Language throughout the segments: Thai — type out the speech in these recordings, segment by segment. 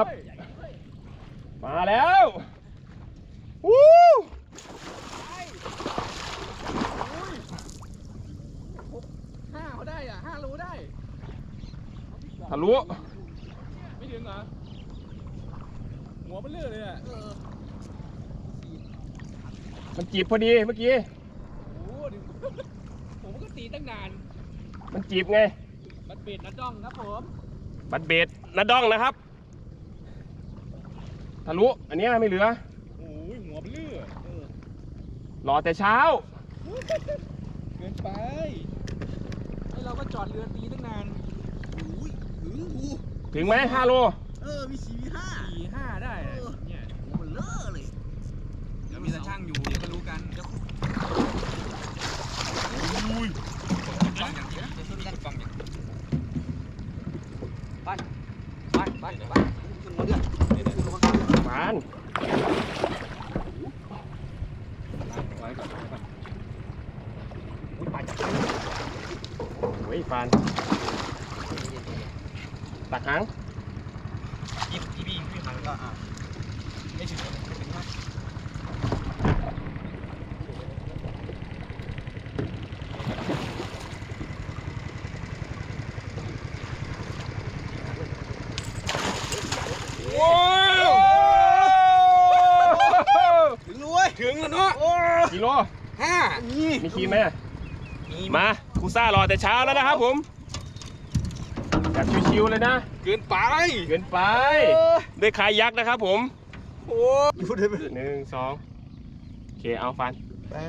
ครับมาแล้ววู้ 5เขาได้อ่ะ5รู้ได้ทะลุไม่ถึงเหรอหัวมันเลื่อนเลยอ่ะมันจีบพอดีเมื่อกี้โอ้ดิผมก็ตีตั้งนานมันจีบไงบัดเบ็ดนัดจ้องครับผมบัดเบ็ดนัดดองนะครับทะลุอันนี้ไม่เหลือโอ้ยหัวมันเลื่อนรอแต่เช้าเกินไปไอเราก็จอดเรือตีตั้งนานถึงไหม5 โลมี4 5ได้เนี่ยมันเลอะเลยเดี๋ยวมีตาช่างอยู่เดี๋ยวก็รู้กันอุ้ยฟังอย่างนี้จะช่วยกันฟังอย่างไปขึ้นมาเดือดฟานไว้ก่อนไปจับโอ้ยฟานตักหางพี่หางก็ไม่ถึงมากว้าวถึงรวยถึงแล้วเนาะกิโล 5 มีขีดไหมมาครูซ่ารอแต่เช้าแล้วนะครับผมแบบชิวๆเลยนะเกินไปด้วยคายักนะครับผมโอ้พูดได้ไหม 1 2โอเคเอาฟัน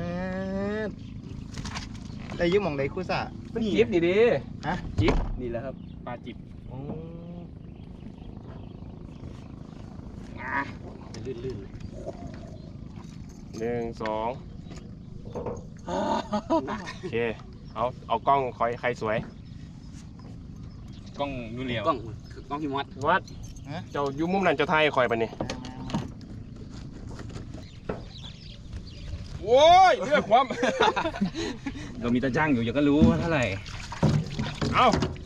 ได้ยืมมองได้คู่ซ่ามันจิ๊บนี่ดิฮะจิ๊บนี่แหละครับปลาจิบลื่น 1 2โอเคเอากล้องคอยใครสวยกล้องนูเหลียวกล้องพี่วัดเจ้าอยู่มุมนั้นเจ้าไทยคอยปะนี่โว้ยเลือกความเรามีตาจ้างอยู่อย่าก็รู้ว่าเท่าไหร่เอา